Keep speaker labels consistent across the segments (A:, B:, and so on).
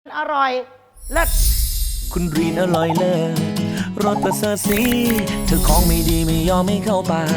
A: อร่อยเลิศ
B: คุณรีนอร่อยเลิศรสประเสริฐสีเธอของไม่ดีไม่ยอมไม่เข้าปาก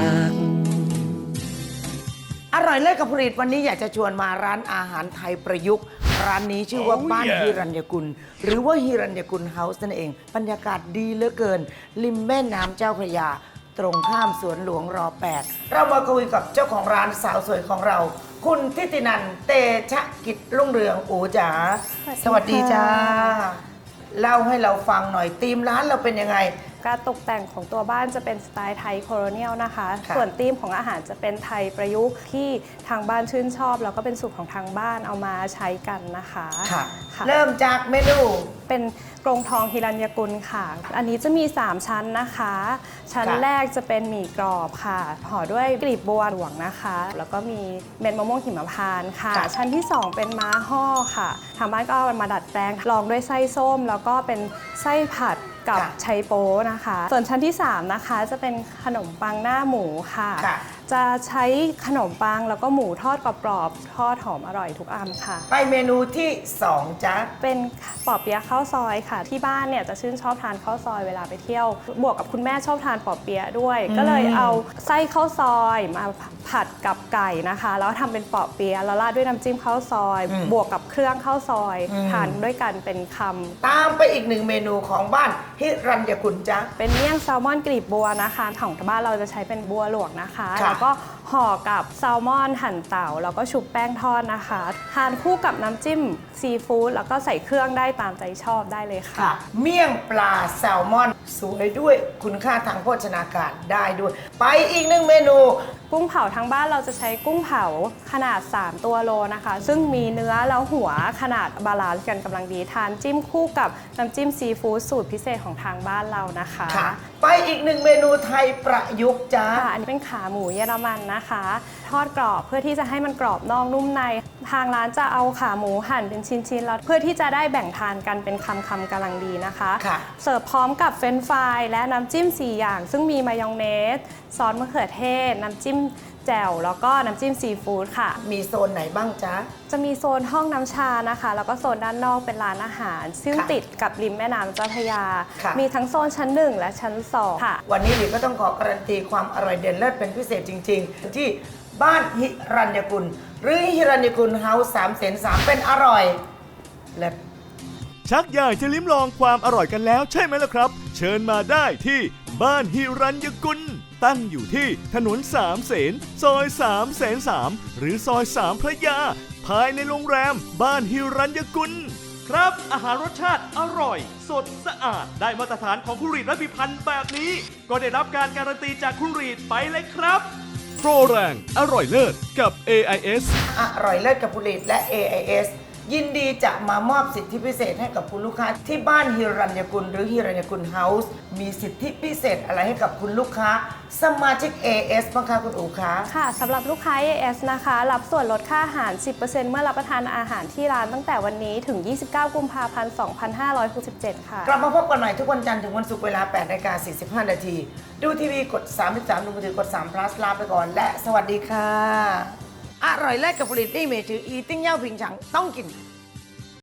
A: อร่อยเลิศกับผลิตวันนี้อยากจะชวนมาร้านอาหารไทยประยุกต์ร้านนี้ชื่อว่าบ้านฮิรัญญกุลหรือว่าฮิรัญญกุลเฮาส์นั่นเองบรรยากาศดีเหลือเกินริมแม่น้ำเจ้าพระยาตรงข้ามสวนหลวงร8เรามาคุยกับเจ้าของร้านสาวสวยของเราคุณทิตินันท์เตชะกิจรุ่งเรืองอูจ๋าสวัสดีจ้าเล่าให้เราฟังหน่อยธีมร้านเราเป็นยังไง
C: การตกแต่งของตัวบ้านจะเป็นสไตล์ไทยโคโลเนียลนะคะส่วนธีมของอาหารจะเป็นไทยประยุกต์ที่ทางบ้านชื่นชอบแล้วก็เป็นสูตรของทางบ้านเอามาใช้กันนะคะ
A: ค่ะเริ่มจากเมนู
C: เป็นกรงทองฮิรัญญกุลค่ะอันนี้จะมี3ชั้นนะคะชั้นแรกจะเป็นหมี่กรอบค่ะห่อด้วยกลีบบัวหลวงนะคะแล้วก็มีเม็ดมะม่วงหิมพานต์ค่ะชั้นที่2เป็นม้าห่อค่ะทางบ้านก็เอามาดัดแปลงลองด้วยไส้ส้มแล้วก็เป็นไส้ผัดกับไชโป๊นะคะส่วนชั้นที่3นะคะจะเป็นขนมปังหน้าหมูค่ะจะใช้ขนมปังแล้วก็หมูทอดกรอบๆทอดหอมอร่อยทุกอันค่ะ
A: ไปเมนูที่2จ้ะ
C: เป็นปอเปี๊ยะข้าวซอยค่ะที่บ้านเนี่ยจะชื่นชอบทานข้าวซอยเวลาไปเที่ยวบวกกับคุณแม่ชอบทานปอเปี๊ยะด้วยก็เลยเอาไส้ข้าวซอยมาผัดกับไก่นะคะแล้วทำเป็นปอเปี๊ยะแล้วราดด้วยน้ำจิ้มข้าวซอยบวกกับเครื่องข้าวซอยทานด้วยกันเป็นคำ
A: ตามไปอีก1เมนูของบ้านฮิรัญญกุลจ้ะ
C: เป็นเมี่ยงแซลมอนกลีบบัวนะคะของบ้านเราจะใช้เป็นบัวหลวงนะคะแล้วก็ห่อกับแซลมอนหั่นเต่าแล้วก็ชุบแป้งทอดนะคะทานคู่กับน้ำจิ้มซีฟู้ดแล้วก็ใส่เครื่องได้ตามใจชอบได้เลยค่ะ
A: เมี่ยงปลาแซลมอนสวยด้วยคุณค่าทางโภชนาการได้ด้วยไปอีก1เมนู
C: กุ้งเผาทางบ้านเราจะใช้กุ้งเผาขนาด3ตัวโลนะคะซึ่งมีเนื้อแล้วหัวขนาดบาลานซ์กันกำลังดีทานจิ้มคู่กับน้ำจิ้มซีฟู้ดสูตรพิเศษของทางบ้านเรานะคะ
A: ไปอีก1เมนูไทยประยุกต์จ้า
C: อันนี้เป็นขาหมูเยอรมันนะคะทอดกรอบเพื่อที่จะให้มันกรอบนอกนุ่มในทางร้านจะเอาขาหมูหั่นเป็นชิ้นๆแล้วเพื่อที่จะได้แบ่งทานกันเป็นคำๆกำลังดีนะคะเสิร์ฟพร้อมกับเฟรนช์ฟรายและน้ำจิ้ม4อย่างซึ่งมีมายองเนสซอสมะเขือเทศน้ำจิ้มแจ่วแล้วก็น้ำจิ้มซีฟู้ดค่ะ
A: มีโซนไหนบ้างจ๊ะ
C: จะมีโซนห้องน้ำชานะคะแล้วก็โซนด้านนอกเป็นร้านอาหารซึ่งติดกับริมแม่น้ำเจ้าพระยามีทั้งโซนชั้น1และชั้น2ค่ะ
A: วันนี้ดิก็ต้องขอการันตีความอร่อยเด่นเลิศเป็นพิเศษจริงๆที่บ้านฮิรัญญกุลหรือฮิรัญญกุลเฮาส์303เป็นอร่อยเลิศ
D: ชักอยากจะลิ้มลองความอร่อยกันแล้วใช่ไหมล่ะครับเชิญมาได้ที่บ้านฮิรัญญกุลตั้งอยู่ที่ถนน3 เสนซอย3 แสน 3หรือซอย3 พระยาภายในโรงแรมบ้านฮิรัญญกุลครับอาหารรสชาติอร่อยสดสะอาดได้มาตรฐานของคุณรีดและพิพันธ์แบบนี้ก็ได้รับการการันตีจากคุณรีดไปเลยครับโปรแรงอร่อยเลิศกับ AIS
A: อร่อยเลิศกับคุณรีดและ AIS ยินดีจะมามอบสิทธิพิเศษให้กับคุณลูกค้าที่บ้านฮิรัญญกุลหรือฮิรัญญกุลเฮาส์มีสิทธิพิเศษอะไรให้กับคุณลูกค้าสมาชิก AS บ้างคะคุณอู๋คะ
C: ค่ะสำหรับลูกค้า AS นะคะรับส่วนลดค่าอาหาร 10% เมื่อรับประทานอาหารที่ร้านตั้งแต่วันนี้ถึง 29 กุมภาพันธ์ 2567 ค่ะ
A: กลับมาพบกันใหม่ทุกวันจันทร์ถึงวันศุกร์เวลา 8:45 น.ดูทีวีกด33ดูมือถือกด3 plus ลาไปก่อนและสวัสดีค่ะอร่อยเลิศกับผลิตนี่เมจืออีติ้งเย่าผิงฉังต้องกิน